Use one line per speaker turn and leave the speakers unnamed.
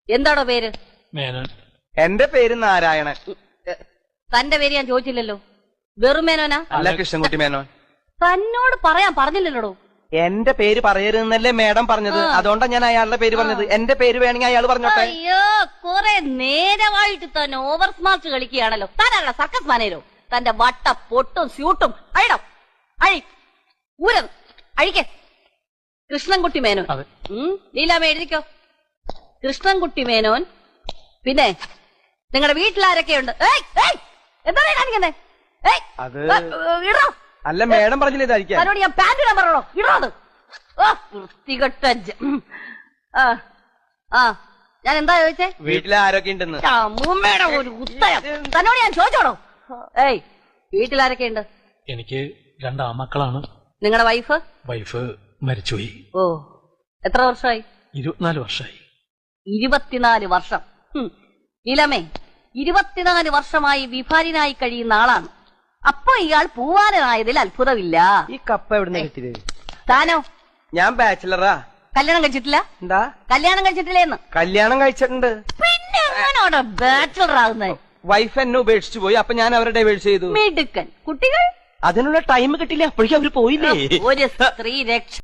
എന്താണോ പേര്?
മേനോൻ.
എന്റെ പേര് നാരായണൻ.
തന്റെ പേര് ഞാൻ ചോദിച്ചില്ലല്ലോ. വെറും മേനോനാ?
അല്ല, കൃഷ്ണൻകുട്ടി മേനോൻ.
തന്നോട് പറയാൻ പറഞ്ഞില്ലല്ലോടോ.
എന്റെ പേര് പറയരുതെന്നല്ലേ മേഡം പറഞ്ഞത്, അതുകൊണ്ടാണ് ഞാൻ അയാളുടെ പേര് പറഞ്ഞത്. എന്റെ പേര് വേണമെങ്കിൽ അയാൾ പറഞ്ഞോട്ടെ.
അയ്യോ, കുറെ നേരമായിട്ട് തന്നെ ഓവർ സ്മാർട്ട് കളിക്കുകയാണല്ലോ. താനാണല്ലോ സർക്കസ് മാനേരോ. തന്റെ വട്ട പൊട്ടും സ്യൂട്ടും അഴിടം അഴി ഊരം അഴിക്കേ. കൃഷ്ണൻകുട്ടി മേനോൻ. ലീലാമ്മ എഴുതിക്കോ. കൃഷ്ണൻകുട്ടി മേനോൻ. പിന്നെ നിങ്ങളുടെ വീട്ടിലാരൊക്കെയുണ്ട്? എന്താണ് കാണിക്കുന്നേ?
അത്
ഇടോ.
അല്ല, മേഡം പറഞ്ഞില്ല ഇതായിരിക്കും.
അതിനോട് ഞാൻ പാന്റ് ഇടാൻ പറഞ്ഞോ? ഇടോ അത്. വൃത്തികെട്ട ഞാൻ എന്താ ചോദിച്ചേ?
വീട്ടിൽ ആരൊക്കെ ഉണ്ടെന്ന്.
അമ്മൂമ്മയുടെ ഒരു ഉത്തരം തന്നോട് ഞാൻ ചോദിച്ചോടോ. വീട്ടിലാരൊക്കെയുണ്ട്?
എനിക്ക് 2 ആമക്കളാണ്.
നിങ്ങളുടെ വൈഫ്?
വൈഫ് മരിച്ചുപോയി.
ഓ, എത്ര വർഷമായി?
24 വർഷമായി.
24 വർഷം. ലീലാമ്മേ, 24 വർഷമായി വിഭാര്യനായി കഴിയുന്ന ആളാണ്. അപ്പൊ ഇയാൾ പൂവാലനായതിൽ അത്ഭുതമില്ല.
ഈ കപ്പ എവിടുന്ന് കിട്ടിയത്?
താനോ?
ഞാൻ ബാച്ചിലറാ.
കല്യാണം കഴിച്ചിട്ടില്ല?
എന്താ
കല്യാണം കഴിച്ചിട്ടില്ലേന്ന്?
കല്യാണം കഴിച്ചിട്ടുണ്ട്.
പിന്നെ എങ്ങനെയാണോ ബാച്ചിലർ ആകുന്നത്?
വൈഫ് എന്നെ ഉപേക്ഷിച്ചു പോയി, അപ്പൊ ഞാൻ അവരെ ഡൈവേഴ്സ് ചെയ്തു.
മിടുക്കൻ. കുട്ടികൾ?
അതിനുള്ള ടൈം കിട്ടില്ല, അപ്പോഴേക്കും അവര് പോയില്ലേ.
ഒരു സ്ത്രീ രക്ഷ